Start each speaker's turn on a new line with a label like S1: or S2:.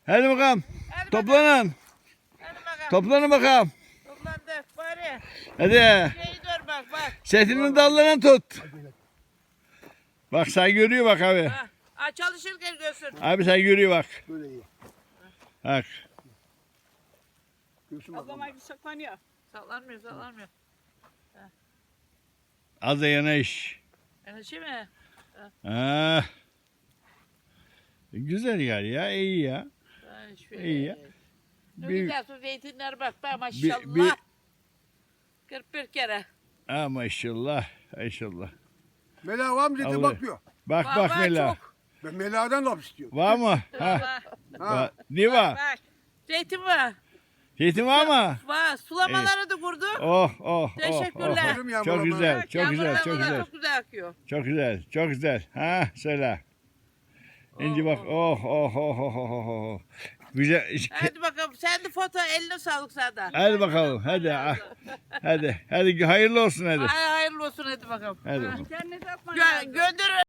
S1: Hadi bakalım.
S2: Hadi
S1: Toplanın.
S2: Hadi bakalım.
S1: Toplanın bakalım.
S2: Toplandık bari.
S1: Hadi.
S2: Şeyi dur bak.
S1: Setinin dallarını tut. Bak sen görüyor bak abi.
S2: Ha, çalışırken görsün.
S1: Abi sen görüyor bak.
S3: Böyle iyi.
S1: Bak.
S3: Göğsüm bak.
S4: Ablam saklanıyor.
S2: Sallanmıyor.
S1: Az da yanaş.
S2: Enerji mi?
S1: Ha. Güzel yer ya, iyi ya.
S2: Ha, şöyle.
S1: İyi ya.
S2: Ne
S1: Bir,
S2: güzel su zeytinler bak maşallah.
S1: bir-
S2: 41 kere.
S1: ha maşallah, maşallah.
S3: Mela var mı dedi
S1: Allah.
S3: bakıyor.
S1: Bak
S2: Var,
S1: bak
S2: var,
S1: Mela.
S2: çok.
S3: Ben Mela'dan laf istiyorum.
S1: Var mı? Ha.
S2: Ha,
S3: Ha.
S1: Ne var?
S2: bak. Zeytin var.
S1: Zeytin var mı?
S2: Var. Sulamaları da kurduk.
S1: Oh.
S2: Teşekkürler.
S3: Aferin yavrum
S1: Çok
S3: ama.
S1: güzel, çok
S2: Yağmurlar
S1: güzel, çok
S2: bunlar
S1: güzel.
S2: Çok güzel akıyor.
S1: Çok güzel, çok güzel. Ha söyle. İnci bak. Oh. Güzel.
S2: Hadi bakalım. Sen de foto eline sağlık senden.
S1: Hadi bakalım. Hadi. Hadi hayırlı olsun hadi.
S2: Hayırlı olsun hadi bakalım.
S1: Hadi
S2: Ha.
S1: bakalım.
S4: İnternet atman
S2: Gönder